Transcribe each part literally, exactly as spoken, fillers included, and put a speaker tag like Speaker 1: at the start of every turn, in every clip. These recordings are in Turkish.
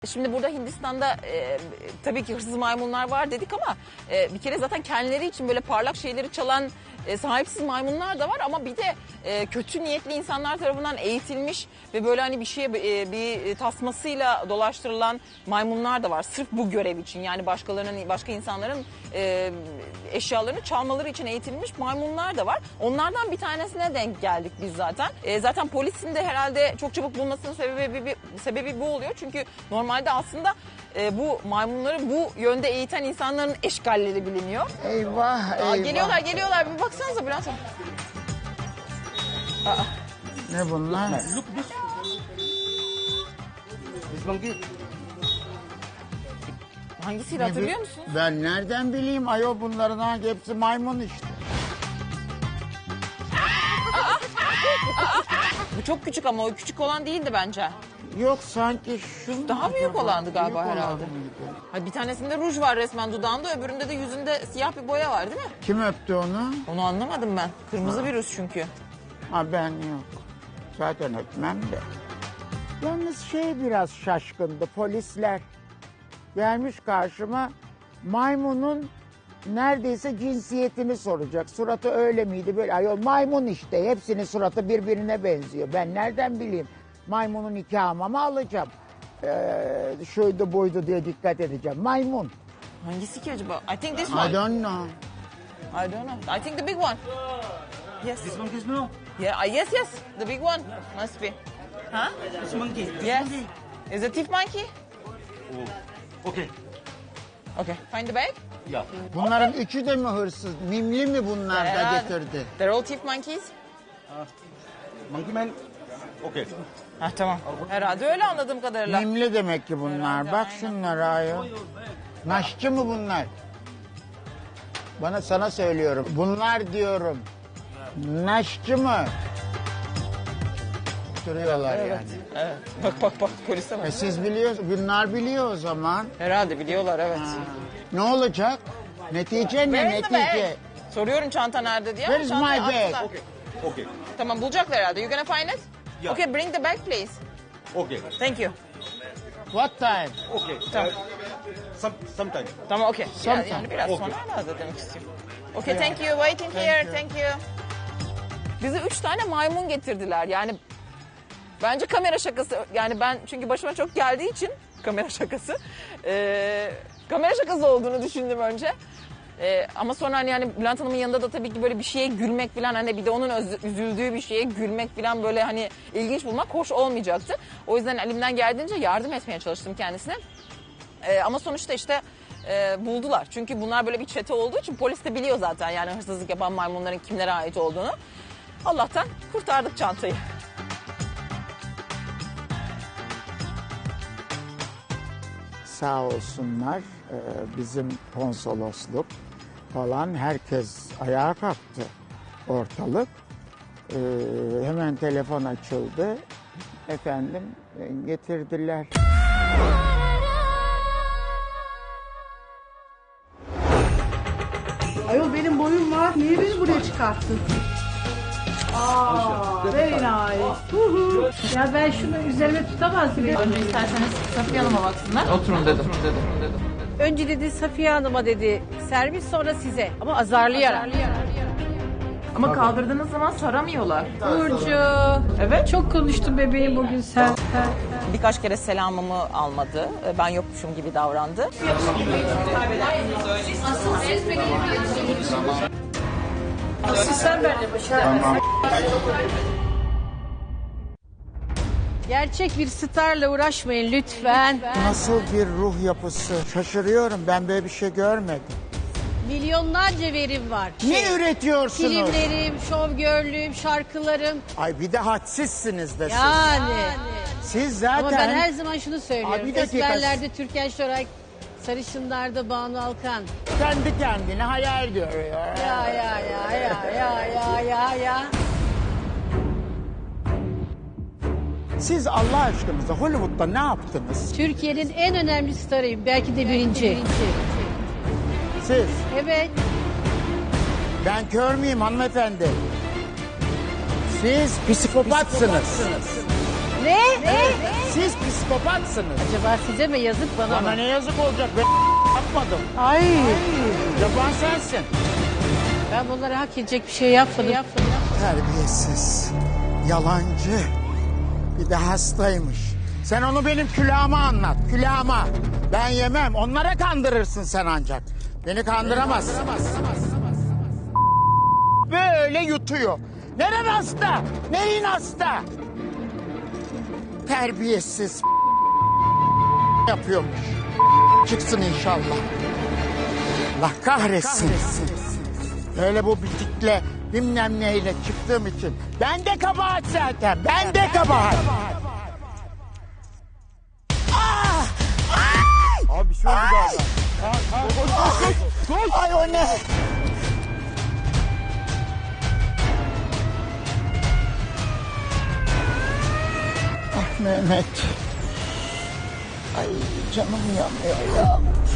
Speaker 1: Şimdi burada Hindistan'da e, tabii ki hırsız maymunlar var dedik ama e, bir kere zaten kendileri için böyle parlak şeyleri çalan e, sahipsiz maymunlar da var ama bir de e, kötü niyetli insanlar tarafından eğitilmiş ve böyle hani bir şeye e, bir tasmasıyla dolaştırılan maymunlar da var. Sırf bu görev için, yani başkalarının, başka insanların e, eşyalarını çalmaları için eğitilmiş maymunlar da var. Onlardan bir tanesine denk geldik biz zaten. E, zaten polisin de herhalde çok çabuk bulmasının sebebi bir, sebebi bu oluyor. Çünkü normalde aslında e, bu maymunları bu yönde eğiten insanların eşgalleri biliniyor.
Speaker 2: Eyvah, eyvah.
Speaker 1: Aa, geliyorlar geliyorlar, bir baksanıza Bülent Hanım. Aa.
Speaker 2: Ne bunlar?
Speaker 3: Look this. This monkey.
Speaker 1: Hangisiydi hatırlıyor musun?
Speaker 2: Ben nereden bileyim ayol, bunların hangi, hepsi maymun işte.
Speaker 1: Bu çok küçük ama o küçük olan değildi bence.
Speaker 2: Yok sanki şu
Speaker 1: Daha
Speaker 2: acaba?
Speaker 1: büyük olandı galiba
Speaker 2: Büyük olan
Speaker 1: herhalde.
Speaker 2: mıydı?
Speaker 1: Ha, bir tanesinde ruj var resmen dudağında, öbüründe de yüzünde siyah bir boya var değil mi?
Speaker 2: Kim öptü onu?
Speaker 1: Onu anlamadım ben. Kırmızı bir ruj çünkü.
Speaker 2: Ha ben yok. Zaten öpmem de. Yalnız şey biraz şaşkındı, polisler. Gelmiş karşıma, maymunun neredeyse cinsiyetini soracak. Suratı öyle miydi böyle? Ayol maymun işte, hepsinin suratı birbirine benziyor. Ben nereden bileyim? Maymunun nikahıma mı alacağım? Ee, şuydu buydu diye dikkat edeceğim. Maymun.
Speaker 1: Hangisi ki acaba? I think this
Speaker 2: I
Speaker 1: one.
Speaker 2: don't know.
Speaker 1: I don't know. I think the big one. Yes.
Speaker 3: This monkey is no.
Speaker 1: Yeah. uh, Yes, yes. The big one must be. Huh?
Speaker 3: This monkey. This
Speaker 1: Yes.
Speaker 3: monkey.
Speaker 1: Is it thief monkey?
Speaker 3: Oh. Okay.
Speaker 1: Okay. Find the bag.
Speaker 3: Yeah.
Speaker 2: Bunların üçü de mi hırsız? Mimli mi bunlar da
Speaker 1: Herhalde.
Speaker 2: getirdi?
Speaker 1: They're all thief monkeys.
Speaker 3: Monkey man. Okay.
Speaker 1: Ha tamam. Herhalde öyle anladığım kadarıyla.
Speaker 2: Mimli demek ki bunlar.
Speaker 1: Herhalde,
Speaker 2: Bak
Speaker 1: aynen.
Speaker 2: şunlara ayol. Naşçı mı bunlar? Bana sana söylüyorum. Bunlar diyorum. Naşçı mı? Duruyorlar yani.
Speaker 1: Evet. Bak bak bak, polise bak.
Speaker 2: E siz biliyorsunuz. Bunlar biliyor o zaman.
Speaker 1: Herhalde biliyorlar, evet.
Speaker 2: Ne olacak? Netice ne?
Speaker 1: Where is the
Speaker 2: Netice.
Speaker 1: bag? Soruyorum çanta nerede diye. ama
Speaker 2: Where is
Speaker 1: çantayı
Speaker 2: my bag?
Speaker 1: attılar.
Speaker 3: Okay. Okay.
Speaker 1: Tamam, bulacaklar herhalde. You gonna find it?
Speaker 3: Yeah.
Speaker 1: Okay, bring the bag please.
Speaker 3: Okay.
Speaker 1: Thank you.
Speaker 2: What time?
Speaker 3: Okay.
Speaker 1: Tamam.
Speaker 3: Uh, some sometime.
Speaker 1: Tamam, okay. Yani,
Speaker 2: Sometime.
Speaker 1: yani biraz
Speaker 3: Okay.
Speaker 1: sonra herhalde demek istiyorum. Okay, thank you. Waiting here.
Speaker 2: you.
Speaker 1: Thank you. Bize üç tane maymun getirdiler. Yani bence kamera şakası. Yani ben çünkü başıma çok geldiği için kamera şakası. Ee, kamera şakası olduğunu düşündüm önce. Ee, ama sonra hani yani Bülent Hanım'ın yanında da tabii ki böyle bir şeye gülmek falan, hani bir de onun öz- üzüldüğü bir şeye gülmek falan böyle hani ilginç bulmak hoş olmayacaktı. O yüzden elimden geldiğince yardım etmeye çalıştım kendisine. Ee, ama sonuçta işte e, buldular. Çünkü bunlar böyle bir çete olduğu için polis de biliyor zaten yani hırsızlık yapan maymunların kimlere ait olduğunu. Allah'tan kurtardık çantayı.
Speaker 2: Sağ olsunlar e, bizim konsolosluk falan, herkes ayağa kalktı, ortalık. E, hemen telefon açıldı. Efendim e, getirdiler.
Speaker 4: Ayol benim boyum var. Niye beni buraya çıkarttın? Aa, very nice. Hu hu. Ya ben şunu üzerime tutamaz mıyım?
Speaker 1: Önce isterseniz Safiye Hanım'a baksınlar. Oturun dedim.
Speaker 4: Önce dedi Safiye Hanım'a dedi servis, sonra size. Ama azarlayarak.
Speaker 1: Ama kaldırdığınız zaman saramıyorlar.
Speaker 4: Burcu.
Speaker 1: Evet.
Speaker 4: Çok konuştun bebeğim bugün sen.
Speaker 1: Birkaç kere selamımı almadı. Ben yokmuşum gibi davrandı.
Speaker 4: Asıl sen benimle başına. Gerçek bir starla uğraşmayın lütfen.
Speaker 2: Nasıl bir ruh yapısı? Şaşırıyorum, ben böyle bir şey görmedim.
Speaker 4: Milyonlarca verim var.
Speaker 2: Ne üretiyorsunuz?
Speaker 4: Filmlerim, şovgörlüğüm, şarkılarım.
Speaker 2: Ay bir de hadsizsiniz de siz.
Speaker 4: Yani.
Speaker 2: Siz zaten...
Speaker 4: Ama ben her zaman şunu
Speaker 2: Abi
Speaker 4: söylüyorum.
Speaker 2: bir dakika.
Speaker 4: Esmerlerde Türkan Şoray, sarışınlarda Banu Alkan.
Speaker 2: kendi kendine hayal görüyor.
Speaker 4: Ya ya ya ya ya ya ya ya.
Speaker 2: Siz Allah aşkınıza Hollywood'da ne yaptınız?
Speaker 4: Türkiye'nin en önemli starıyım. Belki de birinci.
Speaker 2: Siz,
Speaker 4: Evet.
Speaker 2: ben kör müyüm hanımefendi? Siz psikopatsınız.
Speaker 4: Ne? Ne?
Speaker 2: Siz psikopatsınız.
Speaker 4: Acaba size mi yazık bana
Speaker 2: Bana
Speaker 4: mı?
Speaker 2: ne yazık olacak? Ben yapmadım.
Speaker 4: Ay.
Speaker 2: Yapan sensin.
Speaker 4: Ben bunlara hak edecek bir şey yapmadım. yapmadım.
Speaker 2: Terbiyesiz, yalancı, bir de hastaymış. Sen onu benim külahıma anlat, külahıma. Ben yemem, onlara kandırırsın sen ancak. Beni kandıramazsın. Böyle yutuyor. Neren hasta? Neyin hasta? Terbiyesiz yapıyormuş. Çıksın inşallah. Allah kahretsin. Öyle bu bitikle bilmem neyle çıktığım için. Ben de kabahat zaten. Ben de kabahat. Ah! Ay!
Speaker 3: Abi bir şey oldu galiba.
Speaker 2: Ay o ne? Ah Mehmet. Ay canım yanıyor ya.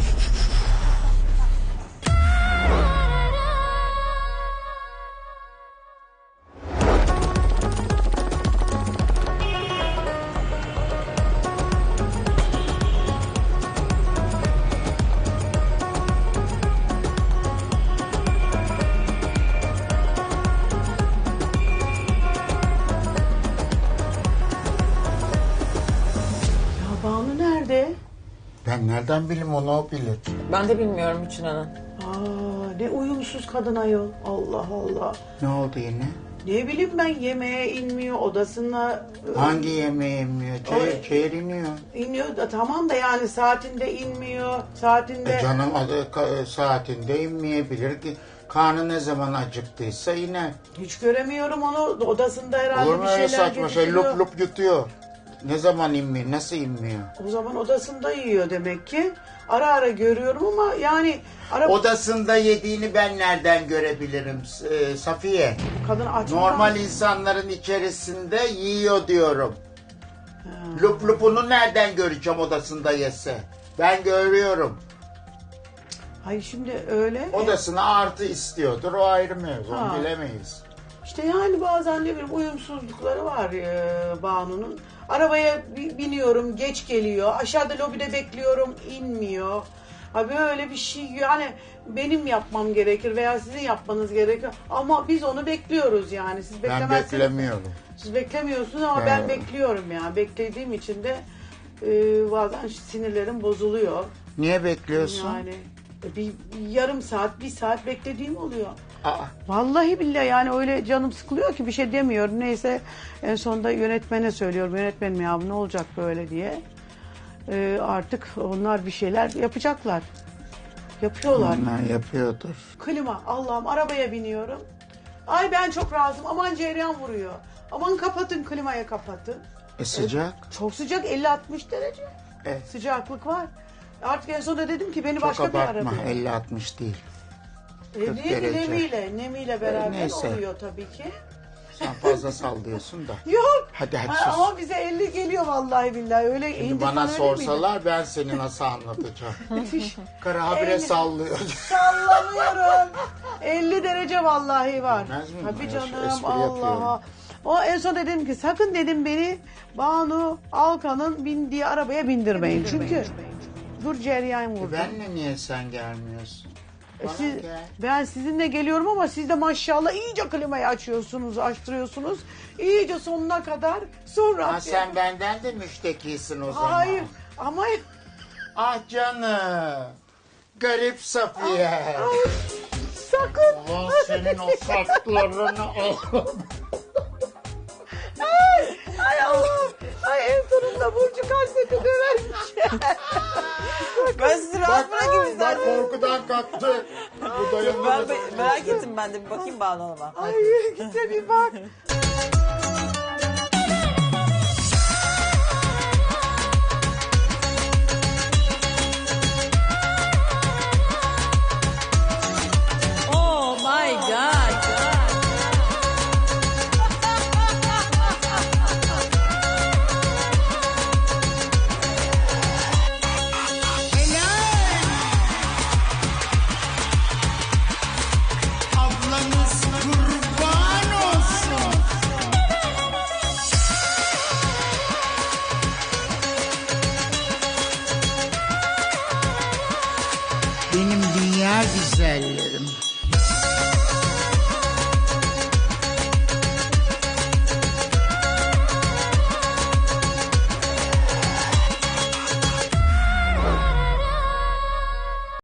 Speaker 5: Ya Banu nerede?
Speaker 2: Ben nereden bileyim onu o bilir.
Speaker 1: Ben de bilmiyorum Hüçün Hanım.
Speaker 5: Aa, ne uyumsuz kadın ayol. Allah Allah.
Speaker 2: Ne oldu yine?
Speaker 5: Ne bileyim ben, yemeğe inmiyor, odasına e,
Speaker 2: Hangi yemeği inmiyor? Çayır,
Speaker 5: Ay.
Speaker 2: çayır iniyor.
Speaker 5: iniyor da tamam da yani saatinde inmiyor. Saatinde
Speaker 2: E canım adı, ka- saatinde inmeyebilir ki. Karnı ne zaman acıktıysa iner.
Speaker 5: hiç göremiyorum onu. Odasında herhalde
Speaker 2: Olur mu
Speaker 5: bir
Speaker 2: öyle
Speaker 5: şeyler
Speaker 2: saçma şey?
Speaker 5: getiriyor.
Speaker 2: Lup lup yutuyor. Ne zaman inmiyor? Nasıl inmiyor?
Speaker 5: O zaman odasında yiyor demek ki. Ara ara görüyorum ama yani ara
Speaker 2: Odasında yediğini ben nereden görebilirim e, Safiye?
Speaker 5: kadın aç mı
Speaker 2: Normal
Speaker 5: kalmış?
Speaker 2: insanların içerisinde yiyor diyorum. Lup lupunu nereden göreceğim odasında yese? Ben görüyorum.
Speaker 5: Hayır şimdi öyle.
Speaker 2: Odasına artı istiyordur, o ayrı mevzu, onu
Speaker 5: Ha.
Speaker 2: bilemeyiz.
Speaker 5: İşte yani bazen ne bileyim uyumsuzlukları var e, Banu'nun. Arabaya bi- biniyorum, geç geliyor. Aşağıda lobide bekliyorum, inmiyor. Ha böyle bir şey yani benim yapmam gerekir veya sizin yapmanız gerekir. Ama biz onu bekliyoruz yani. Siz
Speaker 2: Ben
Speaker 5: beklemezseniz.
Speaker 2: beklemiyorum.
Speaker 5: Siz beklemiyorsunuz ama
Speaker 2: Ben-
Speaker 5: ben bekliyorum ya. Beklediğim için de e, bazen sinirlerim bozuluyor.
Speaker 2: Niye bekliyorsun?
Speaker 5: Yani e, bir, bir yarım saat, bir saat beklediğim oluyor.
Speaker 2: Aa,
Speaker 5: Vallahi billahi yani öyle canım sıkılıyor ki bir şey demiyorum. Neyse en sonunda yönetmene söylüyorum. Yönetmenim ya ne olacak böyle diye. Ee, artık onlar bir şeyler yapacaklar. Yapıyorlar.
Speaker 2: onlar yapıyordur.
Speaker 5: Klima Allah'ım arabaya biniyorum. Ay ben çok rahatsızım. Aman cereyan vuruyor. Aman kapatın klimayı kapatın.
Speaker 2: E sıcak.
Speaker 5: Çok sıcak elli altmış derece.
Speaker 2: E,
Speaker 5: Sıcaklık var. Artık en sonunda dedim ki beni
Speaker 2: çok
Speaker 5: başka bir
Speaker 2: abartma,
Speaker 5: arabaya.
Speaker 2: elli altmış değil.
Speaker 5: E,
Speaker 2: kırk
Speaker 5: ne-
Speaker 2: derece.
Speaker 5: nemiyle, nemiyle beraber
Speaker 2: neyse.
Speaker 5: oluyor tabii ki.
Speaker 2: Sen fazla sallıyorsun da.
Speaker 5: Yok.
Speaker 2: Hadi hadi
Speaker 5: Ha,
Speaker 2: sus.
Speaker 5: ama bize elli geliyor vallahi billahi. Öyle
Speaker 2: Şimdi
Speaker 5: indi
Speaker 2: bana
Speaker 5: falan öyle
Speaker 2: sorsalar ben seni nasıl anlatacağım.
Speaker 5: miydi?
Speaker 2: Karı habire
Speaker 5: elli
Speaker 2: sallıyor.
Speaker 5: Sallamıyorum. elli derece vallahi var.
Speaker 2: Bilmez miyim?
Speaker 5: Tabii
Speaker 2: Ben
Speaker 5: canım
Speaker 2: espri yapıyorum.
Speaker 5: Allah'a. O en son dedim ki sakın dedim beni Banu Alkan'ın bindiği arabaya bindirmeyin. Çünkü dur cereyan
Speaker 2: E
Speaker 5: vurdu.
Speaker 2: benle niye sen gelmiyorsun?
Speaker 5: E
Speaker 2: Bana
Speaker 5: siz-
Speaker 2: gel.
Speaker 5: ben sizinle geliyorum ama siz de maşallah iyice klimayı açıyorsunuz, açtırıyorsunuz. İyice sonuna kadar. Sonra
Speaker 2: Ha, sen benden de müştekisin o zaman.
Speaker 5: hayır ama
Speaker 2: Ah canım. Garip Safiye.
Speaker 5: sakın.
Speaker 2: Ulan senin o saçlarını al.
Speaker 5: Ay Allah'ım. Ay en sonunda Burcu kaçtı dövermiş.
Speaker 1: Ben sizi rahat bırakayım
Speaker 2: Bak
Speaker 1: isterseniz.
Speaker 2: korkudan kalktı. Bu dayanamaz.
Speaker 1: Ben be- merak ettim ben de bir bakayım Banu Hanım'a.
Speaker 5: Ay gitse bir bak.
Speaker 4: Oh my God.
Speaker 2: Ablanız kurban olsun. Benim dünya güzellerim.